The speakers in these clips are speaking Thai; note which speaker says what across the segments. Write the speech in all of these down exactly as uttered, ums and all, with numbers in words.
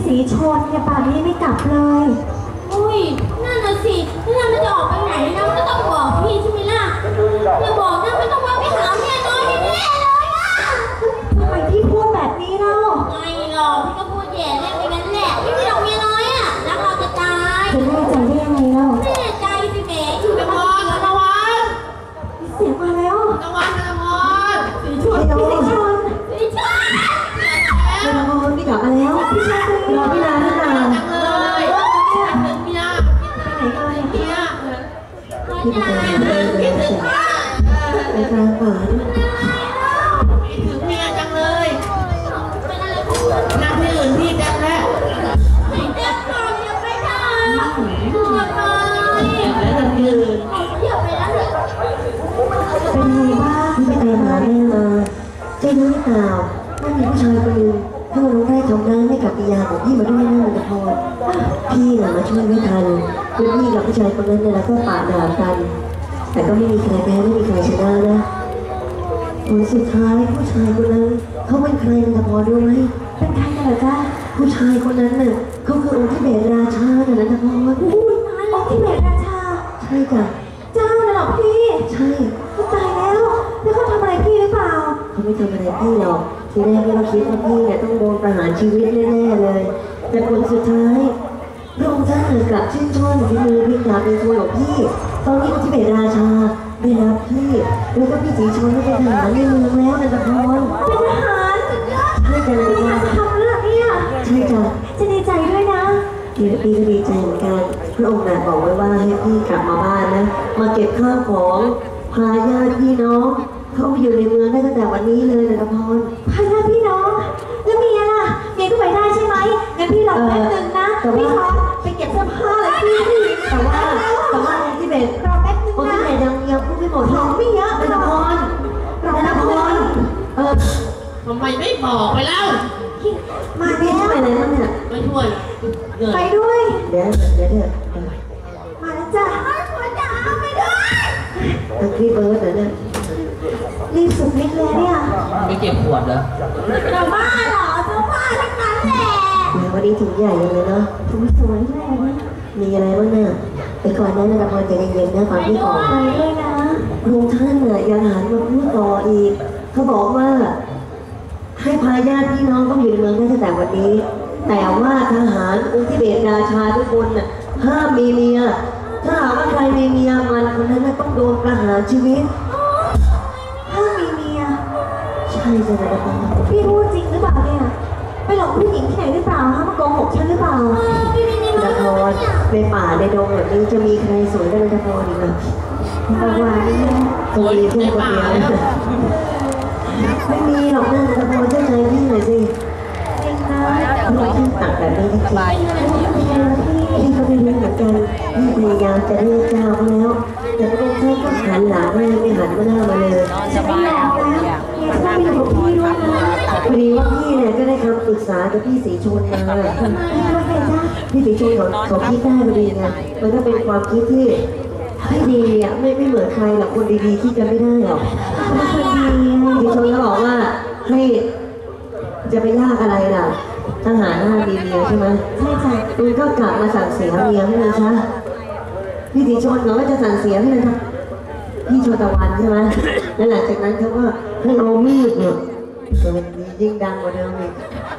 Speaker 1: สีชนเนี่ยป่านนี้ไม่กลับเลย
Speaker 2: อุ้ยนั่นน่ะสิถ้ามันจะออกไปไหนนะก็ต้องบอกพี่ใช่ไหมล่ะอย่าบอกนะไม่ต้องมาไปหาเมียน้อยแน่เลยอ่ะ
Speaker 1: ทำไมพี่พูดแบบนี้เล่า
Speaker 2: ไม่หรอกพี่ก็พูดแย่เล่นไปงั้นแหละพี่ไม่หรอกเมียน้อยอ่ะรักเราจะตาย
Speaker 1: จะแน่ใจได้ยังไงเล่า
Speaker 2: แน่ใจสิเบ๋อยู่ตะวันตะวัน
Speaker 1: เสียงมาแล้ว
Speaker 2: ตะวันตะวันสีชน
Speaker 1: สีชน
Speaker 2: สีชน
Speaker 1: ตะวันพี่กลับมาแล้วพี่ชนรอพี่นานพี่นาน
Speaker 2: จังเลยถึงเมีย
Speaker 1: ไหนเลย
Speaker 2: เมีย
Speaker 1: พี่นานคิดถึงไปกลางป่า
Speaker 2: คิดถึงเมียจังเลยนั่งที่อื่นพี่จังแล้วไม่เจ็บก่อนอย่าไปทำอย่าไปแล้วนั่งที่อื่นอย่าไปแล้ว
Speaker 1: เป็นไงบ้างพี่ไปหาแม่มาเจ๊รู้หรือเปล่าว่ามีผู้ชายคนหนึ่งเข้ามาร้องไห้ทำร้ายให้กับปิยาของพี่มาด้วยนะมันจะพอพี่น่ะมาช่วยไม่ทันคือพี่กับผู้ชายคนนั้นเนี่ยแล้วก็ปาดด่ากันแต่ก็ไม่มีใครแพ้ไม่มีใครชนะนะผลสุดท้ายผู้ชายคนนั้นเขาเป็นใครมันจะพอรู้ไหมเป็นใครกันเหรอจ๊ะผู้ชายคนนั้นน่ะเขาคือองค์ที่เบศราชาน่ะนะจะพออุ้ยตายองค์ที่เบศราชาใช่จ้ะเจ้าน่ะหรอพี่ใช่ตายแล้วแล้วเขาทำอะไรพี่หรือเปล่าเขาไม่ทำอะไรพี่หรอกทีแรกเราคิดว่าพี่เนี่ยต้องโดนประหารชีวิตแน่ๆเลยแต่ผลสุดท้ายพระองค์ท่านกลับชื่นชมฝีมือพิจารเป็นตัวของพี่ตอนนี้องค์ที่เบศราชาได้รับพี่แล้วก็พี่สีชนได้เป็นทหารในเมืองแล้วนะจ๊ะพรเป็นทหารใช่จ้ะเลยว่าจะทำเรื่องนี้ใช่จ้ะจะดีใจด้วยนะเดี๋ยวพี่ก็ดีใจเหมือนกันพระองค์น่ะบอกไว้ว่าให้พี่กลับมาบ้านนะมาเก็บข้าวของพาญาติพี่น้องเข้าไปอยู่ในเมืองได้ตั้งแต่วันนี้เลยนะจ๊ะพรพาญาติพี่น้องแล้วเมียล่ะเมียก็ไปได้ใช่ไหมงั้นพี่รอแป๊บนึงนะพี่ขอไปเก็บเสื้อผ้าเลยพี่แต่ว่าแต่ว่าที่เบสรอแป๊บนึงนะที่เบสยังยังพูดไม่หมดของไม่เยอะนะจ๊ะพรนะจ๊ะพรเออ
Speaker 2: ทำไมไม่บอกไปแล้ว
Speaker 1: มาพี่ช่วยอะไรบ้างเนี่ย
Speaker 2: ไม่ช่วย
Speaker 1: ไปด้วยเดี๋ยวเดี๋ยวเดี๋ยวมาแล้วจ้ะหัวจ๋าไปด้วยตั้งพี่เบิร์ดเหรอเนี่ยรีบสุดฤทธิ์เลยเนี่ย
Speaker 2: ไม่เก็บขวดเหรอจะบ้าเหรอจะบ้าทั้งนั้นแหละ
Speaker 1: วันนี้ถุงใหญ่เลยเนาะถุงสวยเลยมีอะไรบ้างเนี่ยไปก่อนนะนะพรใจเย็นๆนะฟังพี่ก่อนไปด้วยนะลุงท่านเนี่ยยังหันมาพูดต่ออีกเขาบอกว่าให้พาญาติพี่น้องต้องอยู่ในเมืองได้ตั้งแต่วันนี้แต่ว่าทหารองค์ที่เบศราชาทุกคนน่ะห้ามมีเมียถ้าหากว่าใครมีเมียมันคนนั้นต้องโดนประหารชีวิตห้ามมีเมียใช่จ้ะนะพ่อพี่พูดจริงหรือเปล่าเนี่ยไปหลอกผู้หญิงที่ไหนหรือเปล่าฮะมาโกหกฉันหรือเปล่านะพรในป่าในดงแบบนี้จะมีใครสวยได้นะพรอีกอ่ะตะวันสวยเพื่อนคนเดียวไม่มีหรอกนะตะพรเจ้าชายพี่หน่อยสิจริงนะพี่ตักแบบนี้จริงๆพี่ก็ไม่รู้เหมือนกันพี่พยายามจะเรียกเจ้าเขาแล้วแต่พระองค์ท่านก็หันหลังไม่ไม่หันหน้ามาเลยสบายแล้วถ้าเป็นของพี่ด้วยนะพอดีว่าพี่เนี่ยก็ได้คำปรึกษากับพี่สีชนมาพี่สีชนเขาเขาคิดได้พอดีไงมันก็เป็นความคิดที่ไม่ดีอ่ะไม่ไม่เหมือนใครหรอกคนดีๆคิดกันไม่ได้หรอกคนดีพี่ชนก็บอกว่าให้จะไปยากอะไรล่ะทหารห้ามีเมียใช่ไหมใช่จ้ะคุณก็กลับมาสั่งเสียเมียให้เลยใช่พี่สีชนเขาก็จะสั่งเสียให้เลยครับพี่ชนตะวันใช่ไหมแล้วหลังจากนั้นเขาก็ให้เอามีดเนี่ยจะเป็นยิ่งดังกว่าเดิมอีก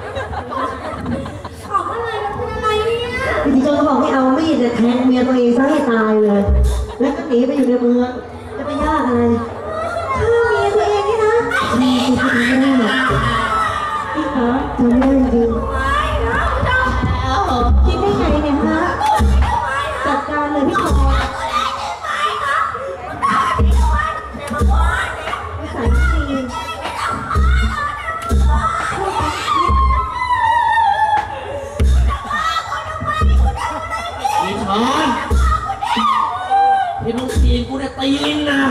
Speaker 2: ออกอะไรมันเป็นอะไรเนี่ย
Speaker 1: พี่สีชนเขาบอกให้เอามีดเนี่ยแทงเมียตัวเองซะให้ตายเลยแล้วก็หนีไปอยู่ในเมืองจะไปยากอะไรฆ่าเมียตัวเองนี่นะนี่คือทำไม่ได้หรอกทำไม่ได้จริงคิดได้ไงเนี่ยฮะจัดการเลยพี่ขอใส่จริง
Speaker 2: มีช้อนที่มึงตีกูจะตีลิงนะ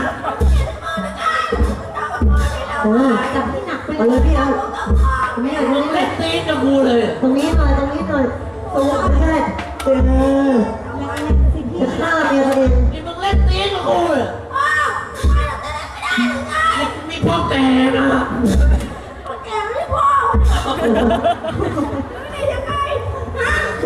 Speaker 1: เออจับที่หนักไปเลยพี่เอาตรงนี้หน่อยตรงนี้เลย
Speaker 2: ตีกับกูเลย
Speaker 1: ตรงนี้หน่อยตรงนี้หน่อยตัวไม่ได้เออจะฆ่าเมียตัวเอง
Speaker 2: นี่มึงเล่นตีกับกูเลยมีพ่อแก่นะพ่อแก่ไม่พ่อนี่ยังไง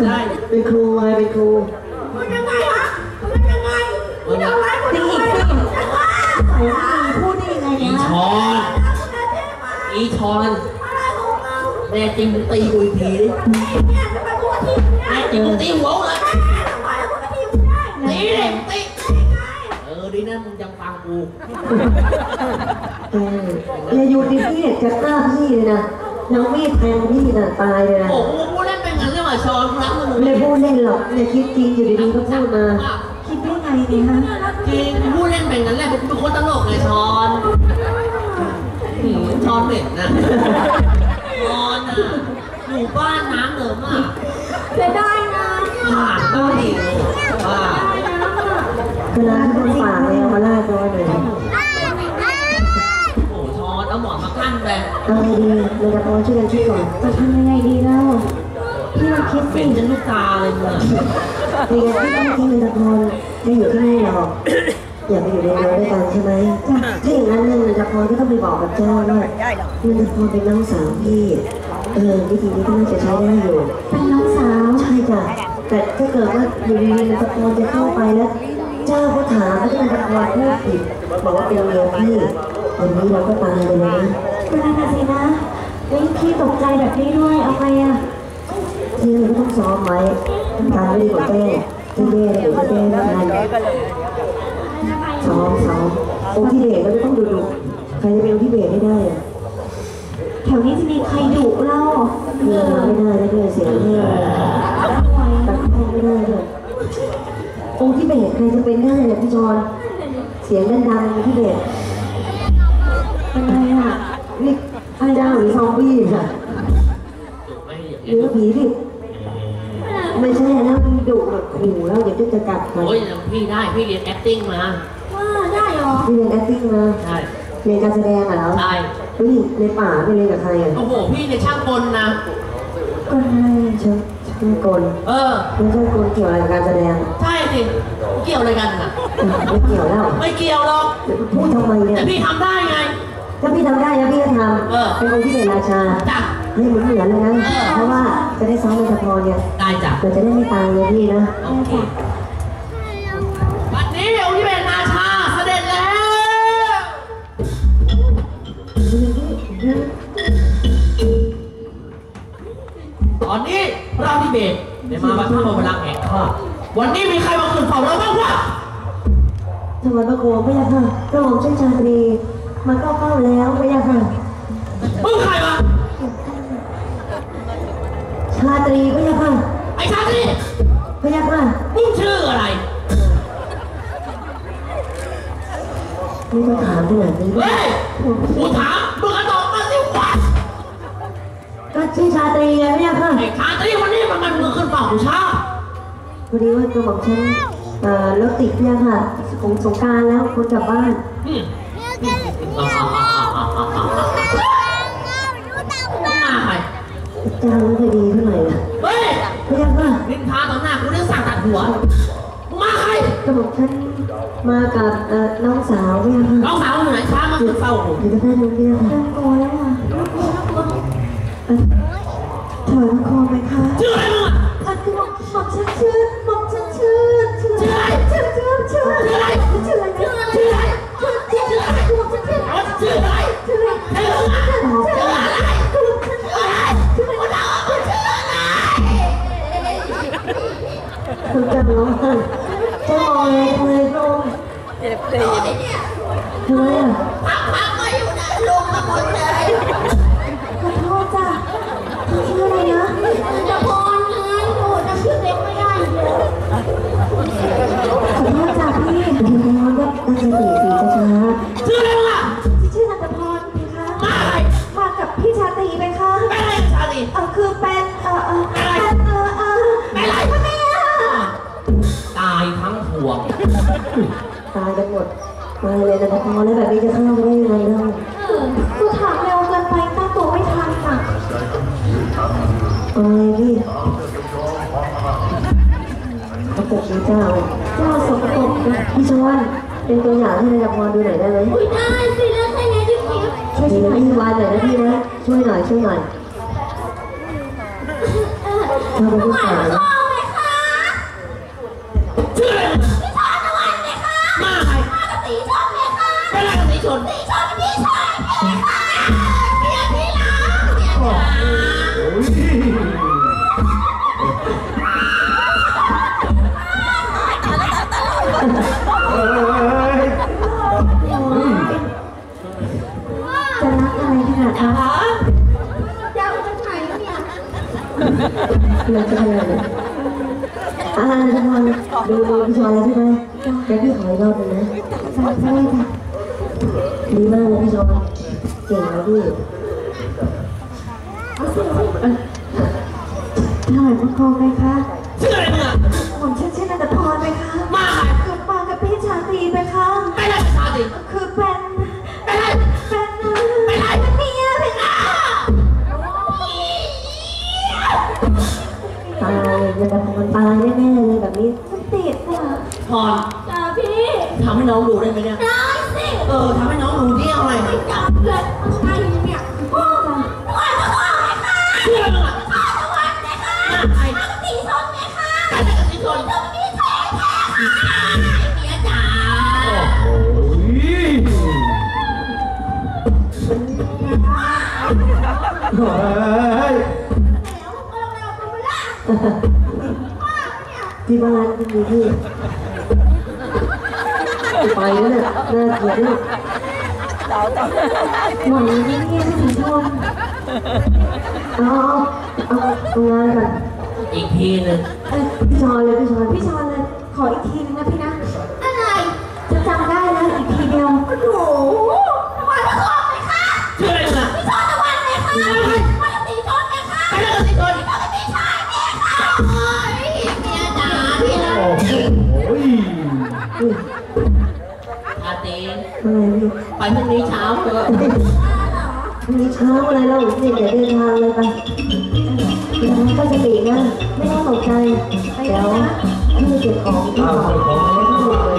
Speaker 2: ได้
Speaker 1: เป็นครูไงเป็นครู
Speaker 3: มันยังไงฮะมันยังไงมันทำร้ายคนอื่นไม่ได้
Speaker 1: พูดได้ยังไง
Speaker 2: อี
Speaker 1: เนี่ย
Speaker 2: ชอนอีชอนแน่จริงตีกูอีกทีดิแน่จริงตีหัวเลยตีเลยตีเออดีนะมึงยังฟังกู
Speaker 1: เอออย่าอยู่ดิพี่เนี่ยจะฆ่าพี่เลยนะน้องมีดแทงพี่น่ะตายเลยนะ
Speaker 2: โอ้โหกูเล่นเป็นงั้นเรื่องชอนรักมึง
Speaker 1: ไม่ได้พูดเล่นหรอกเนี่ยคิดจริงอยู่ดีๆก็พูดมาคิดได้ไงเนี่ยฮะ
Speaker 2: จริงกูเล่นเป็นงั้นแหละเป็นคนตลกเลยชอนชอนเด็ดนะชอนอ่ะอยู่บ้านน้ำเหนิมอ่ะ
Speaker 3: เสียดายนะ
Speaker 2: ผ่านก็ดีว่า
Speaker 1: เวลาที่ต้องฝากเลยเอามาลาดตัวหน่อย
Speaker 2: โอ้ชอนเอาหมอนมากั้นไป
Speaker 1: เอาไงดีเราจะพอช่วยกันคิดก่อน
Speaker 3: จะทำยังไงดีเล่าพี่มาคิด
Speaker 2: เป็
Speaker 3: สิ
Speaker 2: นจนลูกตาเลยมึง
Speaker 1: มีงานที่ต้องที่นันทพรไม่อยู่ที่นี่หรอกอย่าไปอยู่ในเรือด้วยกันใช่ไหมถ้าอย่างนั้นเนี่ยนันทพรก็ต้องไปบอกกับเจ้าด้วยนันทพรเป็นน้องสาวพี่เออวิธีนี้ก็น่าจะใช้ได้อยู่
Speaker 3: เป็นน้องสาว
Speaker 1: ใช่จ้ะแต่ถ้าเกิดว่าอยู่ดีๆนันทพรจะเข้าไปแล้วเจ้าก็ถามว่านันทพรพูดผิดบอกว่าเป็นเมียพี่วันนี้เราก็ตายเลยนะ
Speaker 3: เป็นอะไรสินะเฮ้ยพี่ตกใจแบบนี้ด้วยเอาไงอะ
Speaker 1: ที่เราต้องซ้อมไว้ตายไม่ดีกว่าแก้ที่แก้เดี๋ยวจะแก้ไม่ทันซ้อมซ้อมองค์ที่เบสเราจะต้องดูดูใครจะเป็นองค์ที่เบสไม่ได้อะ
Speaker 3: แถวนี้จะมีใครดุเล่า
Speaker 1: เรือไม่ได้แล้วด้วยเสียงแห้งตัดแห้งไม่ได้ด้วยองค์ที่เบสใครจะเป็นได้เนี่ยพี่จอนเสียงดังๆองค์ที่เบส
Speaker 3: เป็นไงอะ
Speaker 1: นี่ไอ้ดาวหรือซอมบี้ค่ะหรือผีดิไม่ใช่แล้วมันดุแบบขู่แล้วเดี๋ยวจะกัดมัน
Speaker 2: โอ้ยพี่ได้พี่เรียน acting มา
Speaker 3: ว่าได้เหรอ
Speaker 1: พี่เรียน acting มา
Speaker 2: ใช่
Speaker 1: เรียนการแสดงเหรอ
Speaker 2: ใช่
Speaker 1: เฮ้ยในป่าไปเรียนกับใครอ่ะ
Speaker 2: โอ้โหพี่เนี่ยช่างกลนะ
Speaker 1: คนอะไรช่างช่างกล
Speaker 2: เออ
Speaker 1: ไม่ใช่กลเกี่ยวอะไรกับการแสดง
Speaker 2: ใช่สิเกี่ยวอะไรกันอ่ะ
Speaker 1: ไม่เกี่ยวแล้ว
Speaker 2: ไม่เกี่ยวหรอก
Speaker 1: พูดทำไมเนี่ย
Speaker 2: แต่พี่ทำได้ไง
Speaker 1: ถ้าพี่ทำได้แล้วพี่ก็ท
Speaker 2: เออ
Speaker 1: ำเป็นคนที่เป็นราชา
Speaker 2: จ้ะ
Speaker 1: ให้เหมือนเหมือนเลยนะ
Speaker 2: เออ
Speaker 1: เพราะว่าจะได้ซ้อมในตะพรเนี่ย
Speaker 2: ได้จ้ะ
Speaker 1: เราจะได้ไม่ตายเลยพี่นะ
Speaker 2: โอเควันนี้องค์ที่เป็นราชาเสด็จแล้วตอนนี้เราที่เบสได้มาประทับบัลลังก์แห่งข้าวันนี้มีใครมาขึ้นเฝ้าเราบ้างวะ
Speaker 1: ถวายพระโคมพระยาค่ะกระหม่อมเช่นชาตรีมาเข้าเฝ้าแล้วพระยาค่ะ
Speaker 2: มึงใครวะ
Speaker 1: ชาตรีพระยาค่ะ
Speaker 2: ไอ้ชาติ
Speaker 1: พระยาค่ะ
Speaker 2: มึงชื่ออะไร
Speaker 1: ไม่ต้องถามขนาดนี้
Speaker 2: เฮ้ยกูถามมึงก็ตอบมาสิวะ
Speaker 1: ก็ชื่อชาตรีไงพระยาค่ะ
Speaker 2: ไอ้ชาติวันนี้มันมันมึงขึ้นเฝ้ากูช้า
Speaker 1: พอดีว่ากระหม่อมฉันเอ่อรถติดพระยาค่ะของสงกรารแล้วคนกลับบ้าน
Speaker 2: อืมมาใคร
Speaker 1: เจ้าไม่ค่อยดีเท่าไหร่นะ
Speaker 2: เฮ้ย
Speaker 1: พระยาค่ะ
Speaker 2: นินทาต่อหน้ากูเรื่องสั่งตัดหัวมึงมาใคร
Speaker 1: กระหม่อมฉันมากับเอ่อน้องสาวพระยาค่ะ
Speaker 2: น้องสาวอยู่ไหนช้ามาขึ้นเฝ้ากู
Speaker 1: อยู่ที่บ้านน้องพระยาค่ะ
Speaker 3: โอ้ยอ่ะ
Speaker 1: เอ่อถวายพระโคมไหมคะ
Speaker 2: ชื่ออะไรมึงอ่ะ
Speaker 3: อันคือหม่อมหม่อมฉันชื่อหม่อมฉันชื่อชื่ออะไรชื่อชื่อชื่ออะไรชื่ออะไรชื่ออะไรชื่ออะไรชื่ออะไรชื่อหม่อมฉันชื่ออะไร
Speaker 2: เอาชื่ออะไร
Speaker 3: ชื่ออะไร
Speaker 2: ไอ้มึงอ่ะ
Speaker 3: ชื่ออะไรชื่ออะไรชื่ออะไรชื่ออะไร
Speaker 1: คุณจะร้องไห้เจ้ามองอะไรทำไมพระองค์ทำไมอ่ะ
Speaker 2: พักๆก็อยู่นะลงมาหมดเลย
Speaker 3: ขอโทษจ้ะชื่ออะไรนะจะพรไงโอ้จำชื่อเด็กไม่ได้เลยขอโทษจ้ะพี่
Speaker 1: คุณจะร้องก็ตั้งสติสีช้า
Speaker 2: ชื่ออะไรมึงอ่ะ
Speaker 3: ชื่อนันทพรไหมคะ
Speaker 2: มาใคร
Speaker 3: มากับพี่ชาตรีไหมคะ
Speaker 2: เป็นอะไรชาติ
Speaker 3: เออคือเป็นเออเออเป็นเออเออ
Speaker 2: เป็นอะไร
Speaker 3: พ่อแม่อะ
Speaker 2: ตายทั้งพวง
Speaker 1: ๆตายกันหมดมาเลยนะพอแล้วแบบนี้จะเข้าไปได้ยังไงเล่า
Speaker 3: เออกูถามเร็วเกินไปตั้งตัวไม่ทันอ่ะ
Speaker 1: ไปพี่กระปุกนี้เจ้า
Speaker 3: เจ้าสมภพนะ
Speaker 1: พี่ชวนเป็นตัวอย่างให้นายพรดูหน่อยได้ไหม
Speaker 3: อุ้ยได้สิแล้วใครเนี่ยจิ๊บจิ๊บช่วย
Speaker 1: มี
Speaker 3: ช่วยหน่อย
Speaker 1: พี่วานหน่อยนะพี่นะช่วยหน่อยช่วยหน่อย
Speaker 3: เออ
Speaker 1: ชอบเป็นผู้ชาย
Speaker 3: พ่อไหมคะ
Speaker 2: ชื่ออะไรมึง
Speaker 3: พี่ชอนตะวันไหมคะ
Speaker 2: มาใคร
Speaker 3: มากระสีชอนไหมคะ
Speaker 2: เป็นอะไรกับสีชน
Speaker 3: สีชอนเป็นพี่ชายพี่ค่ะเมียพี่รักเมียจ๋า
Speaker 1: จะรักอะไรขนาด
Speaker 2: จ๋า
Speaker 1: นั้น
Speaker 3: ยาวจากไหนเนี่ย
Speaker 1: เราจะทำอะไรเนี่ยอ่าทุกคนดูดูพี่ชอนแล้วใช่ไหมเดี๋ยวพี่ขออีกรอบหนึงนะใช่ใช่ค่ะดีมากเลยพี่ชอนเก่งนะพี่
Speaker 3: ถวายบังคมไหมคะ
Speaker 2: ชื่ออะไรมึงอะ
Speaker 3: ผมชื่อชื่อนันทพรไหมคะ
Speaker 2: มาใคร
Speaker 3: คือมากับพี่ชาตรีไหมคะ
Speaker 2: เป็นอะไรกับชาติ
Speaker 3: คือเป็น
Speaker 2: เป็นอะไร
Speaker 3: เป็นเป็นอะไรเป็นเมียเป็นอา
Speaker 1: ตายจะทำมันตายแน่ๆเลยแบบนี้
Speaker 3: ติดอ่ะ
Speaker 2: พร
Speaker 3: จ้าพี่
Speaker 2: ทำให้น้องดูได้ไหมเนี่ย
Speaker 3: ได้สิ
Speaker 2: เออทำให้น้องดูที่เอาอะไร
Speaker 3: ไม่จับเลยไงเนี่ยพ่อจ้ะตะวันตะวันไหมคะ
Speaker 2: ชื่ออะไรมึงอะ
Speaker 3: พ่อตะวันไหมคะ
Speaker 2: มาใคร
Speaker 3: มากระสีชนไหมคะ
Speaker 2: เป็นอะไรกับสีชน
Speaker 3: จะมีแท้แท้เมียจ๋า
Speaker 1: โอ้ยที่บ้านก็มีที่ไปแล้วเนี่ยน่าเกลียดด้วย
Speaker 3: หวังเงียบๆสีชน
Speaker 1: เอาเอาเอางานก่อน
Speaker 2: อีกทีหนึ่ง
Speaker 1: เอ้ยพี่ชอนเลยพี่ชอน
Speaker 3: พี่ชอนเลย ขออีกทีนึงนะพี่นะ อะไรจะจำได้แล้วอีกทีเดียว โอ้โหตะวันตะวันไหมคะ
Speaker 2: ชื่ออะไรมึงอะ
Speaker 3: พี่ชอนตะวันไหมคะมากระสีชนไหมคะ
Speaker 2: เป็นอะไรกับสีชน
Speaker 3: มากระสีชายเมียค่ะโอ้ยเมียจ๋าพี่รัก
Speaker 1: อุ้ย
Speaker 2: ชาติ
Speaker 1: อะไรพี่
Speaker 2: ไปพรุ่งนี้เช้าเถอะ
Speaker 1: พรุ่งนี้เช้าอะไรเราเนี่ยเดี๋ยวเดินทางเลยไปเดี๋ยวก็จะตีนะไม่ต้องตกใจเดี๋ยวพี่เก็บของที่ของแล้วก็ดูเลย